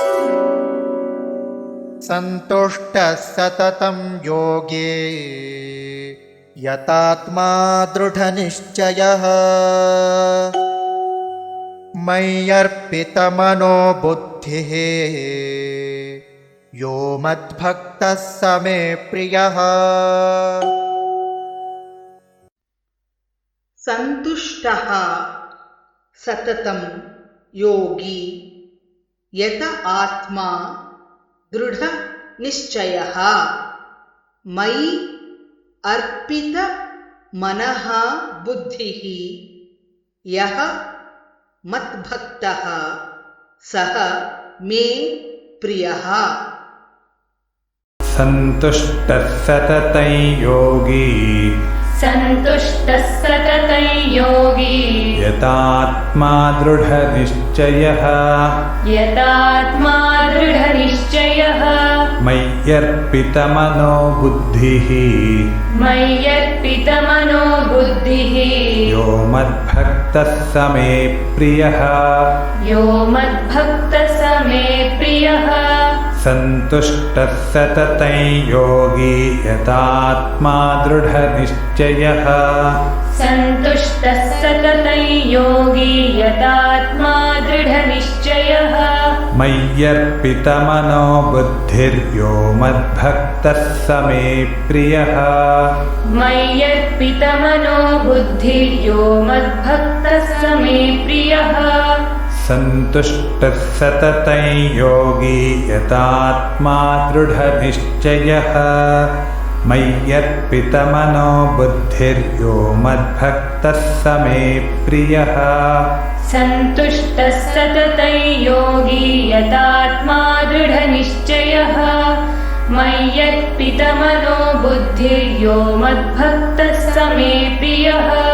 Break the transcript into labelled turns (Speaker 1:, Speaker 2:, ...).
Speaker 1: सन्तुष्टः सततं योगे यतात्मा दृढनिश्चयः मय्यर्पितमनो बुद्धिः यो मद्भक्तः स मे प्रियः।
Speaker 2: सन्तुष्टः सततं योगी यत आत्मा दृढ़ निश्चयः मयि अर्पित मनः बुद्धिः यः मद्भक्तः सः मे प्रियः।
Speaker 3: सन्तुष्टः सततं योगी
Speaker 4: सन्तुष्टः सततं योगी
Speaker 3: यतात्मा दृढनिश्चयः
Speaker 4: यतात्मा दृढनिश्चयः
Speaker 3: मय्यर्पितमनो बुद्धिः
Speaker 4: मय्यर्पितमनो बुद्धिः
Speaker 3: यो मद्भक्तः स मे प्रियः
Speaker 4: यो मद्भक्तः स मे प्रियः।
Speaker 3: सन्तुष्टः सततं योगी यतात्मा दृढनिश्चयः
Speaker 4: सन्तुष्टः सततं योगी यतात्मा दृढनिश्चयः
Speaker 3: मय्यर्पितमनो बुद्धिर्यो मद्भक्तः स मे प्रियः
Speaker 4: मय्यर्पितमनो बुद्धिर्यो मद्भक्तः स मे प्रियः।
Speaker 3: सन्तुष्टः सततं योगी यतात्मा दृढनिश्चयः मय्यर्पितमनो बुद्धिर्यो मद्भक्तः स मे प्रियः।
Speaker 4: सन्तुष्टः सततं योगी यतात्मा दृढनिश्चयः मय्यर्पितमनो बुद्धिर्यो मद्भक्तः स मे प्रियः।